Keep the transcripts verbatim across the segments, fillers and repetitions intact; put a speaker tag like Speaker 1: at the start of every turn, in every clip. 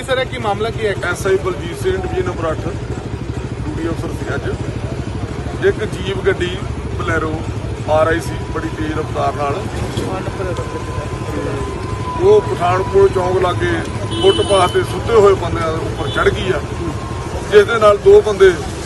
Speaker 1: Sir है की मामला की है?
Speaker 2: S I Baljit Singh division number अठ ड्यूटी अफसर सी अज एक जीप गड्डी बलैरो आ रही सी बड़ी तेज रफ्तार नाल वो पठानकोट चौंक लागे फुटपाथ ते सुते हुए बंदे उपर चढ़ गई है जिस दे नाल दो बंदे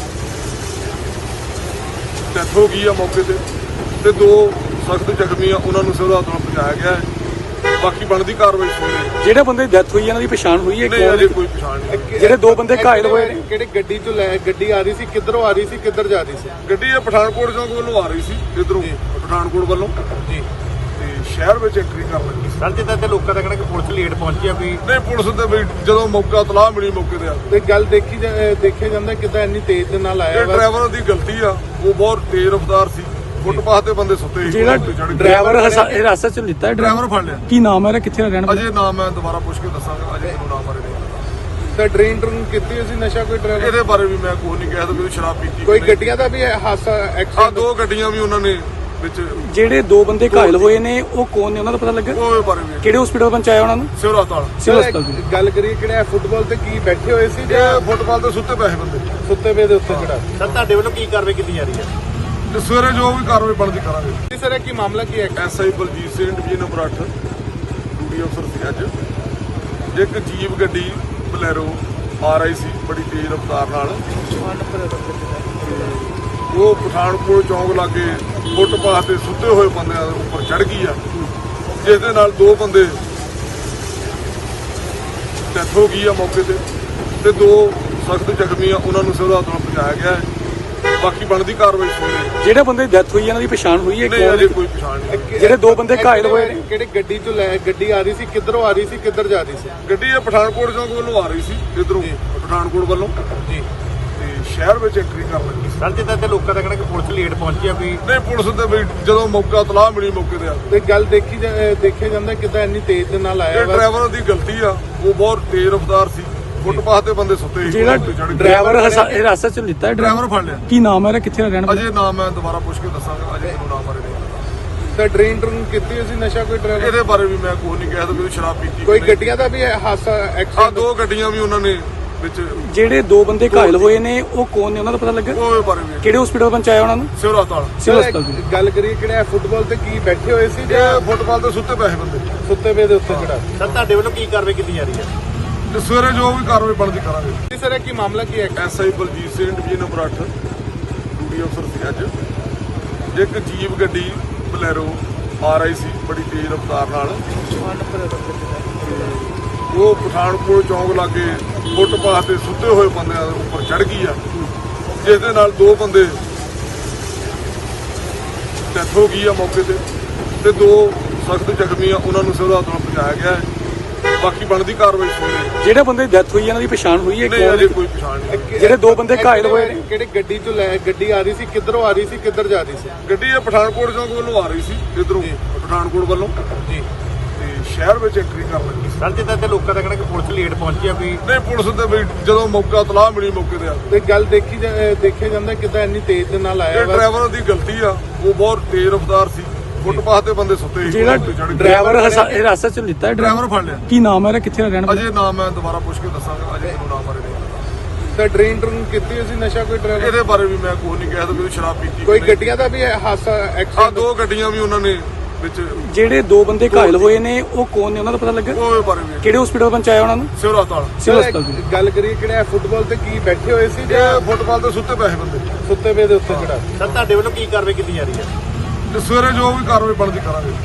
Speaker 2: डेथ हो गई है मौके ते ते दो सख्त जख्मी आ उन्होंने सिविल हस्पताल पहुंचाया गया है। बाकी बनती कार्रवाई सुनी
Speaker 3: ਜਿਹੜੇ ਬੰਦੇ ਦੀ ਡੈਥ ਹੋਈ ਹੈ ਇਹਨਾਂ ਦੀ ਪਛਾਣ ਹੋਈ ਹੈ?
Speaker 2: नहीं अजे कोई पछाण नहीं।
Speaker 3: ਜਿਹੜੇ ਦੋ ਬੰਦੇ ਘਾਇਲ ਹੋਏ ਨੇ
Speaker 1: ਕਿਹੜੀ ਗੱਡੀ ਤੋਂ ਲੈ ਗੱਡੀ ਆ ਰਹੀ ਸੀ ਕਿੱਧਰੋਂ ਆ ਰਹੀ ਸੀ ਕਿੱਧਰ ਜਾ ਰਹੀ ਸੀ?
Speaker 2: ਗੱਡੀ ਇਹ ਪਠਾਨਕੋਟ ਚੌਂਕ ਵੱਲੋਂ ਆ ਰਹੀ ਸੀ ਇਧਰੋਂ ਪਠਾਨਕੋਟ ਵੱਲੋਂ
Speaker 1: ਜੀ
Speaker 2: ਤੇ ਸ਼ਹਿਰ ਵਿੱਚ ਐਂਟਰੀ ਕਰਨ ਲੱਗੀ ਸੀ।
Speaker 1: ਸਰ ਜਿੱਦਾਂ ਤੇ ਲੋਕਾਂ ਦਾ ਕਹਿਣਾ ਕਿ ਪੁਲਿਸ ਲੇਟ ਪਹੁੰਚੀ ਆ ਵੀ
Speaker 2: ਨਹੀਂ ਪੁਲਿਸ ਤੇ ਵੀ ਜਦੋਂ ਮੌਕਾ ਤਲਾਹ ਮਿਲੀ ਮੌਕੇ ਤੇ ਆ
Speaker 1: ਤੇ ਗੱਲ ਦੇਖੀ ਜਾ- ਅਹ ਦੇਖਿਆ ਜਾਂਦਾ ਕਿੱਦਾਂ ਇੰਨੀ ਤੇਜ਼ ਦੇ ਨਾਲ ਆਇਆ
Speaker 2: ਇਹ
Speaker 1: ਵਾ।
Speaker 2: ਡਰਾਈਵਰ ਦੀ ਗਲਤੀ ਆ ਉਹ ਬਹੁਤ ਤੇਜ਼ ਰਫ਼ਤਾਰ ਸੀ ਫੁੱਟਪਾਥ ਤੇ ਬੰਦੇ ਸੁੱਤੇ ਸੀ
Speaker 3: ਜਿਹੜਾ
Speaker 2: ਤੇ ਚੜ੍ਹ ਗਏ।
Speaker 3: ਡਰਾਈਵਰ ਹਿਰਾਸਤ ਚ ਲਿੱਤਾ ਹੈ
Speaker 2: ਡਰਾਈਵਰ ਫੜ ਲਿਆ।
Speaker 3: ਕੀ ਨਾਮ ਹੈ ਇਹਦਾ, ਕਿੱਥੇ ਦਾ ਰਹਿਣ ਵਾਲਾ?
Speaker 2: ਅਜੇ ਨਾਮ ਮੈਂ ਦੁਬਾਰਾ ਪੁੱਛ ਕੇ ਦੱਸਾਂਗਾ ਅਜੇ ਮੈਨੂੰ ਨਾਮ ਬਾਰੇ ਨਹੀਂ ਪਤਾ।
Speaker 1: ਤਾਂ ਡਰੇਨ ਡਰਨ ਕੀਤੀ ਸੀ ਨਸ਼ਾ ਕੋਈ ਡਰਾਈਵਰ
Speaker 2: ਇਹਦੇ ਬਾਰੇ ਵੀ ਮੈਂ ਕੋਈ ਨਹੀਂ ਕਹਿ ਸਕਦਾ ਕਿ ਸ਼ਰਾਬ ਪੀਤੀ
Speaker 1: ਕੋਈ ਗੱਡੀਆਂ ਦਾ ਵੀ ਹਾਦਸਾ
Speaker 2: ਆ
Speaker 1: ਐਕਸੀਡੈਂਟ
Speaker 2: ਦੋ ਗੱਡੀਆਂ ਵੀ ਉਹਨਾਂ ਨੇ ਵਿੱਚ
Speaker 3: ਜਿਹੜੇ ਦੋ ਬੰਦੇ ਘਾਇਲ ਹੋਏ ਨੇ ਉਹ ਕੌਣ ਨੇ, ਉਹਨਾਂ ਦਾ ਪਤਾ ਲੱਗਾ?
Speaker 2: ਉਹਦੇ ਬਾਰੇ ਵੀ
Speaker 3: ਕਿਹੜੇ ਹਸਪੀਟਲ ਪਹੁੰਚਾਇਆ ਉਹਨਾਂ ਨੂੰ?
Speaker 2: ਸਿਵਲ ਹਸਪਤਾਲ
Speaker 3: ਸਿਵਲ ਹਸਪਤਾਲ ਦੇ।
Speaker 1: ਗੱਲ ਕਰੀਏ ਕਿਹੜਾ ਫੁੱਟਬਾਲ ਤੇ ਕੀ ਬੈਠੇ ਹੋਏ ਸੀ ਜਾਂ
Speaker 2: ਇਹ ਫੁੱਟਪਾਥ ਤੇ ਸੁੱਤੇ ਪਏ ਸੀ ਬੰਦੇ
Speaker 1: ਸੁੱਤੇ ਪਏ ਦੇ ਉੱਤੇ ਚੜਾ?
Speaker 4: ਸਰ ਤੁਹਾਡੇ ਵੱਲੋਂ ਕੀ ਕਾਰਵਾਈ ਕੀਤੀ ਜਾ ਰਹੀ ਹੈ?
Speaker 2: ਤੇ ਸਵੇਰੇ ਜੋ ਵੀ ਕਾਰਵਾਈ ਬਣਦੀ ਕਰਾਂਗੇ।
Speaker 1: ਸਰ ਇਹ ਕੀ ਮਾਮਲਾ ਕੀ ਹੈ?
Speaker 2: S I Baljit Singh division number ਅੱਠ ਡਿਊਟੀ ਅਫਸਰ ਸੀ ਅੱਜ ਇੱਕ ਜੀਪ ਗੱਡੀ ਬਲੈਰੋ ਆ ਰਹੀ ਸੀ ਬੜੀ ਤੇਜ਼ ਰਫ਼ਤਾਰ ਨਾਲ ਉਹ ਪਠਾਨਕੋਟ ਚੌਂਕ ਲਾਗੇ ਫੁੱਟਪਾਥ ਤੇ ਸੁੱਤੇ ਹੋਏ ਬੰਦਿਆਂ ਦੇ ਉੱਪਰ ਚੜ੍ਹ ਗਈ ਆ ਜਿਸ ਦੇ ਨਾਲ ਦੋ ਬੰਦੇ ਡੈਥ ਹੋ ਗਈ ਆ ਮੌਕੇ ਤੇ ਤੇ ਦੋ ਸਖਤ ਜ਼ਖਮੀ ਆ ਉਹਨਾਂ ਨੂੰ ਸਿਵਲ ਹਸਪਤਾਲ ਪਹੁੰਚਾਇਆ ਗਿਆ ਹੈ। ਬਾਕੀ ਬਣਦੀ ਕਾਰਵਾਈ ਸੁਣੀ।
Speaker 3: ਜਿਹੜੇ ਬੰਦੇ ਦੀ ਡੈਥ ਹੋਈ ਹੈ ਇਹਨਾਂ ਦੀ ਪਛਾਣ ਹੋਈ ਹੈ?
Speaker 2: ਨਹੀਂ ਅਜੇ ਕੋਈ ਪਛਾਣ ਨਹੀਂ।
Speaker 3: ਜਿਹੜੇ ਦੋ ਬੰਦੇ ਘਾਇਲ ਹੋਏ ਨੇ
Speaker 1: ਕਿਹੜੀ ਗੱਡੀ ਤੋਂ ਲੈ ਗੱਡੀ ਆ ਰਹੀ ਸੀ ਕਿੱਧਰੋਂ ਆ ਰਹੀ ਸੀ ਕਿੱਧਰ ਜਾ ਰਹੀ ਸੀ?
Speaker 2: ਗੱਡੀ ਇਹ ਪਠਾਨਕੋਟ ਚੌਂਕ ਵੱਲੋਂ ਆ ਰਹੀ ਸੀ ਇਧਰੋਂ ਪਠਾਨਕੋਟ ਵੱਲੋਂ
Speaker 1: ਜੀ
Speaker 2: ਤੇ ਸ਼ਹਿਰ ਵਿੱਚ ਐਂਟਰੀ ਕਰਨ ਲੱਗੀ ਸੀ।
Speaker 4: ਸਰ ਜਿੱਦਾਂ ਤੇ ਲੋਕਾਂ ਦਾ ਕਹਿਣਾ ਕਿ ਪੁਲਿਸ ਲੇਟ ਪਹੁੰਚੀ ਆ ਵੀ
Speaker 2: ਨਹੀਂ ਪੁਲਿਸ ਤੇ ਵੀ ਜਦੋਂ ਮੌਕਾ ਤਲਾਹ ਮਿਲੀ ਮੌਕੇ ਤੇ ਆ
Speaker 1: ਤੇ ਗੱਲ ਦੇਖੀ ਜਾ- ਅਹ ਦੇਖਿਆ ਜਾਂਦਾ ਕਿੱਦਾਂ ਇੰਨੀ ਤੇਜ਼ ਦੇ ਨਾਲ ਆਇਆ
Speaker 2: ਇਹ
Speaker 1: ਵਾ।
Speaker 2: ਡਰਾਈਵਰ ਦੀ ਗਲਤੀ ਆ ਉਹ ਬਹੁਤ ਤੇਜ਼ ਰਫ਼ਤਾਰ ਸੀ ਫੁੱਟਪਾਥ ਤੇ ਬੰਦੇ ਸੁੱਤੇ ਸੀ
Speaker 3: ਜਿਹੜਾ
Speaker 2: ਤੇ ਚੜ੍ਹ ਗਏ।
Speaker 3: ਡਰਾਈਵਰ ਹਿਰਾਸਤ ਚ ਲਿੱਤਾ ਹੈ
Speaker 2: ਡਰਾਈਵਰ ਫੜ ਲਿਆ।
Speaker 3: ਕੀ ਨਾਮ ਹੈ ਇਹਦਾ, ਕਿੱਥੇ ਦਾ ਰਹਿਣ ਵਾਲਾ?
Speaker 2: ਅਜੇ ਨਾਮ ਮੈਂ ਦੁਬਾਰਾ ਪੁੱਛ ਕੇ ਦੱਸਾਂਗਾ ਅਜੇ ਮੈਨੂੰ ਨਾਮ ਬਾਰੇ ਨਹੀਂ ਪਤਾ।
Speaker 1: ਤਾਂ ਡਰੇਨ ਡਰਨ ਕੀਤੀ ਸੀ ਨਸ਼ਾ ਕੋਈ ਡਰਾਈਵਰ
Speaker 2: ਇਹਦੇ ਬਾਰੇ ਵੀ ਮੈਂ ਕੋਈ ਨਹੀਂ ਕਹਿ ਸਕਦਾ ਕਿ ਸ਼ਰਾਬ ਪੀਤੀ
Speaker 1: ਕੋਈ ਗੱਡੀਆਂ ਦਾ ਵੀ ਹਾਦਸਾ
Speaker 2: ਆ
Speaker 1: ਐਕਸੀਡੈਂਟ
Speaker 2: ਦੋ ਗੱਡੀਆਂ ਵੀ ਉਹਨਾਂ ਨੇ ਵਿੱਚ
Speaker 3: ਜਿਹੜੇ ਦੋ ਬੰਦੇ ਘਾਇਲ ਹੋਏ ਨੇ ਉਹ ਕੌਣ ਨੇ, ਉਹਨਾਂ ਦਾ ਪਤਾ ਲੱਗਾ?
Speaker 2: ਉਹਦੇ ਬਾਰੇ ਵੀ
Speaker 3: ਕਿਹੜੇ ਹਸਪੀਟਲ ਪਹੁੰਚਾਇਆ ਉਹਨਾਂ ਨੂੰ?
Speaker 2: ਸਿਵਲ ਹਸਪਤਾਲ
Speaker 3: ਸਿਵਲ ਹਸਪਤਾਲ ਦੇ।
Speaker 1: ਗੱਲ ਕਰੀਏ ਕਿਹੜਾ ਫੁੱਟਬਾਲ ਤੇ ਕੀ ਬੈਠੇ ਹੋਏ ਸੀ ਜਾਂ
Speaker 2: ਇਹ ਫੁੱਟਪਾਥ ਤੇ ਸੁੱਤੇ ਪਏ ਸੀ ਬੰਦੇ
Speaker 1: ਸੁੱਤੇ ਪਏ ਦੇ ਉੱਤੇ ਚੜਾ?
Speaker 4: ਸਰ ਤੁਹਾਡੇ ਵੱਲੋਂ ਕੀ ਕਾਰਵਾਈ ਕੀਤੀ ਜਾ ਰਹੀ ਹੈ?
Speaker 2: ਤੇ ਸਵੇਰੇ ਜੋ ਵੀ ਕਾਰਵਾਈ ਬਣਦੀ ਕਰਾਂਗੇ।
Speaker 1: ਸਰ ਇਹ ਕੀ ਮਾਮਲਾ ਕੀ ਹੈ?
Speaker 2: S I Baljit Singh division number ਅੱਠ ਡਿਊਟੀ ਅਫਸਰ ਸੀ ਅੱਜ ਇੱਕ ਜੀਪ ਗੱਡੀ ਬਲੈਰੋ ਆ ਰਹੀ ਸੀ ਬੜੀ ਤੇਜ਼ ਰਫ਼ਤਾਰ ਨਾਲ ਉਹ ਪਠਾਨਕੋਟ ਚੌਂਕ ਲਾਗੇ ਫੁੱਟਪਾਥ ਤੇ ਸੁੱਤੇ ਹੋਏ ਬੰਦਿਆਂ ਦੇ ਉੱਪਰ ਚੜ੍ਹ ਗਈ ਆ ਜਿਸ ਦੇ ਨਾਲ ਦੋ ਬੰਦੇ ਡੈਥ ਹੋ ਗਈ ਆ ਮੌਕੇ ਤੇ ਤੇ ਦੋ ਸਖਤ ਜ਼ਖਮੀ ਆ ਉਹਨਾਂ ਨੂੰ ਸਿਵਲ ਹਸਪਤਾਲ ਪਹੁੰਚਾਇਆ ਗਿਆ ਹੈ। ਬਾਕੀ ਬਣਦੀ ਕਾਰਵਾਈ ਸੁਣੀ।
Speaker 3: ਜਿਹੜੇ ਬੰਦੇ ਦੀ ਡੈਥ ਹੋਈ ਹੈ ਇਹਨਾਂ ਦੀ ਪਛਾਣ ਹੋਈ ਹੈ?
Speaker 2: ਨਹੀਂ ਅਜੇ ਕੋਈ ਪਛਾਣ ਨਹੀਂ।
Speaker 3: ਜਿਹੜੇ ਦੋ ਬੰਦੇ ਘਾਇਲ ਹੋਏ ਨੇ
Speaker 1: ਕਿਹੜੀ ਗੱਡੀ ਤੋਂ ਲੈ ਗੱਡੀ ਆ ਰਹੀ ਸੀ ਕਿੱਧਰੋਂ ਆ ਰਹੀ ਸੀ ਕਿੱਧਰ ਜਾ ਰਹੀ ਸੀ?
Speaker 2: ਗੱਡੀ ਇਹ ਪਠਾਨਕੋਟ ਚੌਂਕ ਵੱਲੋਂ ਆ ਰਹੀ ਸੀ ਇਧਰੋਂ ਪਠਾਨਕੋਟ ਵੱਲੋਂ
Speaker 1: ਜੀ
Speaker 2: ਤੇ ਸ਼ਹਿਰ ਵਿੱਚ ਐਂਟਰੀ ਕਰਨ ਲੱਗੀ ਸੀ।
Speaker 4: ਸਰ ਜਿੱਦਾਂ ਤੇ ਲੋਕਾਂ ਦਾ ਕਹਿਣਾ ਕਿ ਪੁਲਿਸ ਲੇਟ ਪਹੁੰਚੀ ਆ ਵੀ
Speaker 2: ਨਹੀਂ ਪੁਲਿਸ ਤੇ ਵੀ ਜਦੋਂ ਮੌਕਾ ਤਲਾਹ ਮਿਲੀ ਮੌਕੇ ਤੇ ਆ
Speaker 1: ਤੇ ਗੱਲ ਦੇਖੀ ਜਾ- ਅਹ ਦੇਖਿਆ ਜਾਂਦਾ ਕਿੱਦਾਂ ਇੰਨੀ ਤੇਜ਼ ਦੇ ਨਾਲ ਆਇਆ
Speaker 2: ਇਹ
Speaker 1: ਵਾ।
Speaker 2: ਡਰਾਈਵਰ ਦੀ ਗਲਤੀ ਆ ਉਹ ਬਹੁਤ ਤੇਜ਼ ਰਫ਼ਤਾਰ ਸੀ ਫੁੱਟਪਾਥ ਤੇ ਬੰਦੇ ਸੁੱਤੇ ਸੀ
Speaker 3: ਜਿਹੜਾ
Speaker 2: ਤੇ ਚੜ੍ਹ ਗਏ।
Speaker 3: ਡਰਾਈਵਰ ਹਿਰਾਸਤ ਚ ਲਿੱਤਾ ਹੈ
Speaker 2: ਡਰਾਈਵਰ ਫੜ ਲਿਆ।
Speaker 3: ਕੀ ਨਾਮ ਹੈ ਇਹਦਾ, ਕਿੱਥੇ ਦਾ ਰਹਿਣ ਵਾਲਾ?
Speaker 2: ਅਜੇ ਨਾਮ ਮੈਂ ਦੁਬਾਰਾ ਪੁੱਛ ਕੇ ਦੱਸਾਂਗਾ ਅਜੇ ਮੈਨੂੰ ਨਾਮ ਬਾਰੇ ਨਹੀਂ ਪਤਾ।
Speaker 1: ਤਾਂ ਡਰੇਨ ਡਰਨ ਕੀਤੀ ਸੀ ਨਸ਼ਾ ਕੋਈ ਡਰਾਈਵਰ
Speaker 2: ਇਹਦੇ ਬਾਰੇ ਵੀ ਮੈਂ ਕੋਈ ਨਹੀਂ ਕਹਿ ਸਕਦਾ ਕਿ ਸ਼ਰਾਬ ਪੀਤੀ
Speaker 1: ਕੋਈ ਗੱਡੀਆਂ ਦਾ ਵੀ ਹਾਦਸਾ
Speaker 2: ਆ
Speaker 1: ਐਕਸੀਡੈਂਟ
Speaker 2: ਦੋ ਗੱਡੀਆਂ ਵੀ ਉਹਨਾਂ ਨੇ ਵਿੱਚ
Speaker 3: ਜਿਹੜੇ ਦੋ ਬੰਦੇ ਘਾਇਲ ਹੋਏ ਨੇ ਉਹ ਕੌਣ ਨੇ, ਉਹਨਾਂ ਦਾ ਪਤਾ ਲੱਗਾ?
Speaker 2: ਉਹਦੇ ਬਾਰੇ ਵੀ
Speaker 3: ਕਿਹੜੇ ਹਸਪੀਟਲ ਪਹੁੰਚਾਇਆ ਉਹਨਾਂ ਨੂੰ?
Speaker 2: ਸਿਵਲ ਹਸਪਤਾਲ
Speaker 3: ਸਿਵਲ ਹਸਪਤਾਲ ਦੇ।
Speaker 1: ਗੱਲ ਕਰੀਏ ਕਿਹੜਾ ਫੁੱਟਬਾਲ ਤੇ ਕੀ ਬੈਠੇ ਹੋਏ ਸੀ ਜਾਂ
Speaker 2: ਇਹ ਫੁੱਟਪਾਥ ਤੇ ਸੁੱਤੇ ਪਏ ਸੀ ਬੰਦੇ
Speaker 1: ਸੁੱਤੇ ਪਏ ਦੇ ਉੱਤੇ ਚੜਾ?
Speaker 4: ਸਰ ਤੁਹਾਡੇ ਵੱਲੋਂ ਕੀ ਕਾਰਵਾਈ ਕੀਤੀ ਜਾ ਰਹੀ ਹੈ?
Speaker 2: ਤੇ ਸਵੇਰੇ ਜੋ ਵੀ ਕਾਰਵਾਈ ਬਣਦੀ ਕਰਾਂਗੇ।